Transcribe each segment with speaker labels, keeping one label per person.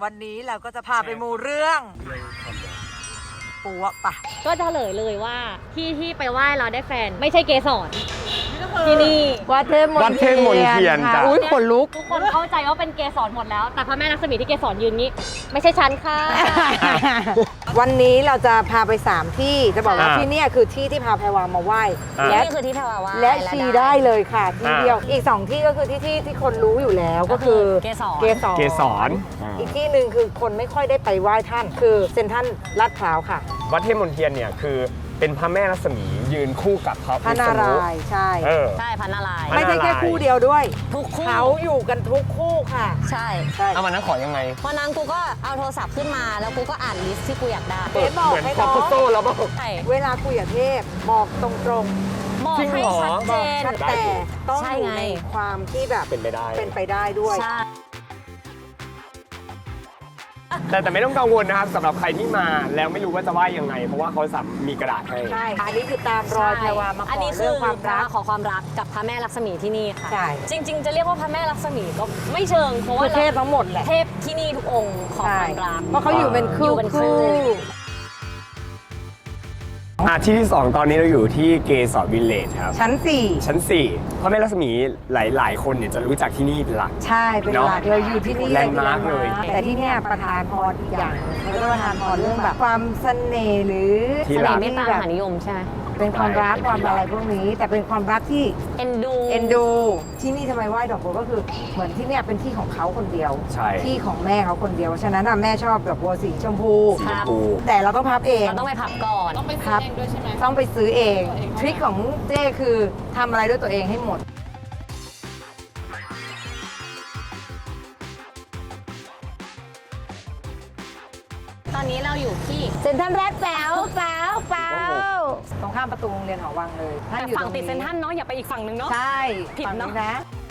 Speaker 1: วันนี้เราก็จะพาไปมูเรื่องปัวปะ
Speaker 2: ก็จะเฉลยเลยว่าที่ไปไหว้เราได้แฟนไม่ใช่เกสรที่นี่
Speaker 1: วัดเทพมน
Speaker 3: วัดเทพมนเทียน
Speaker 1: ค่ะ
Speaker 3: จ้ะ
Speaker 1: อุ้ยขนลุก
Speaker 2: ทุกคนเข้าใจว่าเป็นเกสรหมดแล้ว แต่พระแม่ลักษมีที่เกสรยืนนี้ ไม่ใช่ฉันค่ะ
Speaker 1: วันนี้เราจะพาไป3ที่จะบอกว่า
Speaker 3: อ่า
Speaker 1: ที่เนี่ยคือที่ที่พาแพรวามาไหว้ และ
Speaker 2: นี่คือที่แพรวาว่า
Speaker 1: และชีได้เลยค่ะที่เดียวอีก2ที่ก็คือที่คนรู้อยู่แล้วก็คือ
Speaker 2: เกสร
Speaker 1: เกสร
Speaker 3: เกสร
Speaker 1: อีกที่หนึ่งคือคนไม่ค่อยได้ไปไหว้ท่าน คือเซ็นทรัลลาดพร้าวค่ะ
Speaker 3: วัดเทพมนเทียนเนี่ยคือเป็นพระแม่รัศมียืนคู่กับพระ
Speaker 1: พระ
Speaker 3: วิ
Speaker 1: นา
Speaker 3: ษณุ
Speaker 1: รายณ์ใช่
Speaker 3: เออ
Speaker 2: ใช่พันนารายณ์
Speaker 3: พระ
Speaker 1: ไม่ใช่แค่
Speaker 3: นารายณ์
Speaker 1: คู่เดียวด้วย
Speaker 2: ทุกคู่
Speaker 1: เขาอยู่กันทุกคู่ค่ะ
Speaker 2: ใช่
Speaker 1: ใช่
Speaker 3: เอาวันนั้นขอยังไง
Speaker 2: วันนั้นกูก็เอาโทรศัพท์ขึ้นมาแล้วกูก็อ่านลิสต์ที่กูอยากได้
Speaker 1: เบสบอก
Speaker 3: เหมือน
Speaker 1: ให้
Speaker 3: คอ
Speaker 1: น้
Speaker 3: ป
Speaker 1: อง
Speaker 3: โต้แล้วบอก
Speaker 2: ใช่
Speaker 1: เวลาคุยกับเทพบอกตรง
Speaker 2: บอก
Speaker 3: จริง
Speaker 2: ให้
Speaker 3: เหรอ
Speaker 2: ชัด
Speaker 1: ๆ
Speaker 2: เจ
Speaker 1: บอก
Speaker 2: น
Speaker 1: ชัดแต่ต้อง
Speaker 2: ใช่
Speaker 1: อยู่
Speaker 2: ไง
Speaker 1: ในความที่แบบ
Speaker 3: เป็นไปได้
Speaker 1: เป็นไปได้ด้วย
Speaker 2: ใช่
Speaker 3: แต่ไม่ต้องกังวลนะครับสำหรับใครที่มาแล้วไม่รู้ว่าจะไหว้ยังไง เพราะว่าเขามีกระดาษให้
Speaker 1: ใช่ อันนี้คือตามรอยแพรวามาข
Speaker 2: อัน
Speaker 1: อ
Speaker 2: นี้คื
Speaker 1: เรื่
Speaker 2: อ
Speaker 1: องความรัก
Speaker 2: ขอความรักกับพระแม่ลักษมีที่นี่ค่ะ
Speaker 1: ใช่
Speaker 2: จริง ๆ จะเรียกว่าพระแม่ลักษมีก็ไม่เชิงเพราะ
Speaker 1: คื
Speaker 2: ว่า
Speaker 1: อเทพทั้งหมดแหละ
Speaker 2: เทพที่นี่ทุกองค์ขอความรัก
Speaker 1: เพราะเขาอยู่เป็นคู่
Speaker 2: อยู่เป็นคู่
Speaker 3: ที่ที่ 2 ตอนนี้เราอยู่ที่เกสรวิลเลจครับ
Speaker 1: ชั้น
Speaker 3: ชั้น 4 พระแม่รัศมีหลาย ๆ คนเนี่ยจะรู้จักที่นี่เป็นหลัก
Speaker 1: 4 ใช่เป็นหลัก
Speaker 3: เนอะ
Speaker 1: เราอยู่ที่นี่
Speaker 3: แลนด์มาร์คเลย
Speaker 1: แต่ที่เนี่ยประธานพรอีกอย่างเขาจะประทานพรเรื่องแบบความเสน่ห์หรือ
Speaker 3: ที่
Speaker 2: เส
Speaker 3: รั
Speaker 2: น่
Speaker 3: ก
Speaker 2: ห์เมตตามหานิยมใช่ไหม
Speaker 1: เป็นความรักความอะไรพวกนี้ แต่เป็นความรักที่
Speaker 2: เอ็นดู
Speaker 1: เอ็นดู ที่นี่ทำไมไหว้ดอกบัวก็คือเหมือนที่เนี่ยเป็นที่ของเขาคนเดียว
Speaker 3: ใช่
Speaker 1: ที่ของแม่เขาคนเดียว ฉะนั้นน่ะแม่ชอบดอกบัวสีชมพู
Speaker 3: สีชมพู
Speaker 1: แต่เราต้องพับเอง
Speaker 2: เราต้องไปพับก่อน
Speaker 1: ครับต้องไปซื้อเอง ทริคของเจ้คือทำอะไรด้วยตัวเองให้หมด
Speaker 2: ตอนนี้เราอยู่ที่
Speaker 1: เซ็นทรัลแรดแป๋วตรงข้ามประตูโรงเรียนหอวังเลยท่าน
Speaker 2: แต่
Speaker 1: อยู่
Speaker 2: ฝั่ง
Speaker 1: ร
Speaker 2: ติดเซนทรัลเนาะอย่าไปอีกฝั่งหนึ่งเนาะ
Speaker 1: ใช่
Speaker 2: ผิด
Speaker 1: ฝั่ง
Speaker 2: เนอะ
Speaker 1: นี้นะ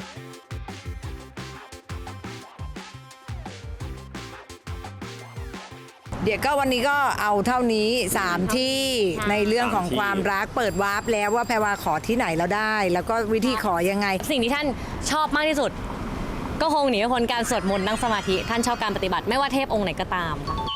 Speaker 1: เดี๋ยวก็วันนี้ก็เอาเท่านี้ 3 ที่ในเรื่องของ
Speaker 3: 3 ที่
Speaker 1: ความรักเปิดวาร์ปแล้วว่าแพรวาขอที่ไหนแล้วได้ แล้วก็วิธีขอยังไง
Speaker 2: สิ่งที่ท่านชอบมากที่สุด ก็คงหนีไม่พ้นการสวดมนต์นั่งสมาธิท่านชอบการปฏิบัติไม่ว่าเทพองค์ไหนก็ตามค่ะ